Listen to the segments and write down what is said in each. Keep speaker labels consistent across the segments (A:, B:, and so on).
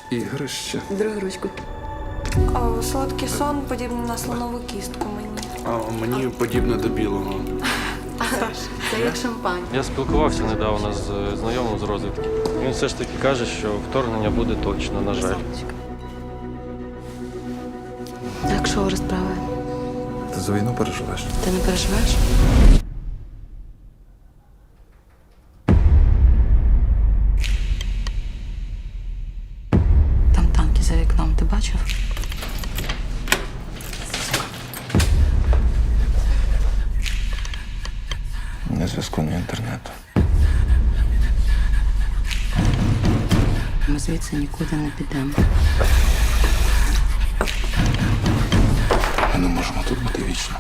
A: ігрище.
B: Другу ручку.
C: Солодкий сон подібний на слонову кістку мені.
A: А мені подібне до білого.
B: Це як шампань.
D: Я спілкувався недавно з знайомим з розвідки. Він все ж таки каже, що вторгнення буде точно, на жаль.
B: Так, що розправи?
A: Ти за війну переживеш?
B: Ти не переживаєш? Там танки за вікном, ти бачив?
A: Ні зв'язку, ні інтернету.
B: Ми звідси нікуди не підемо.
A: Ми не можемо тут бути вічно.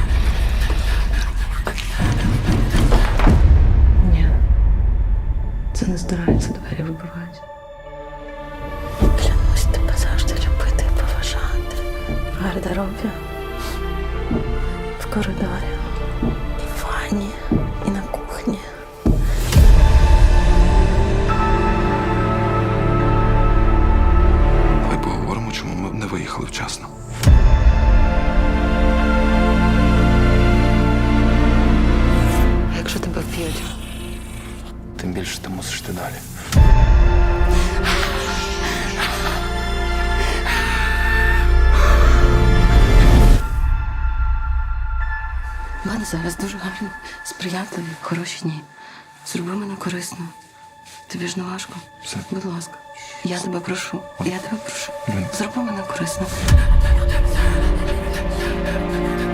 B: Ні. Це не здирається, двері вибивають. Клянусь тебе завжди любити і поважати. В гардеробі, в коридорі, і в ванні, і на кухні.
A: Давай поговоримо, чому ми не виїхали вчасно.
B: А якщо тебе вб'ють?
A: Тим більше ти мусиш йти далі.
B: У мене зараз дуже гарні, сприятливі, хороші дні. Зроби мене корисно. Тобі ж не важко.
A: Все.
B: Будь ласка. Я тебе прошу. Я тебе прошу.
A: Блін.
B: Зроби мене корисно.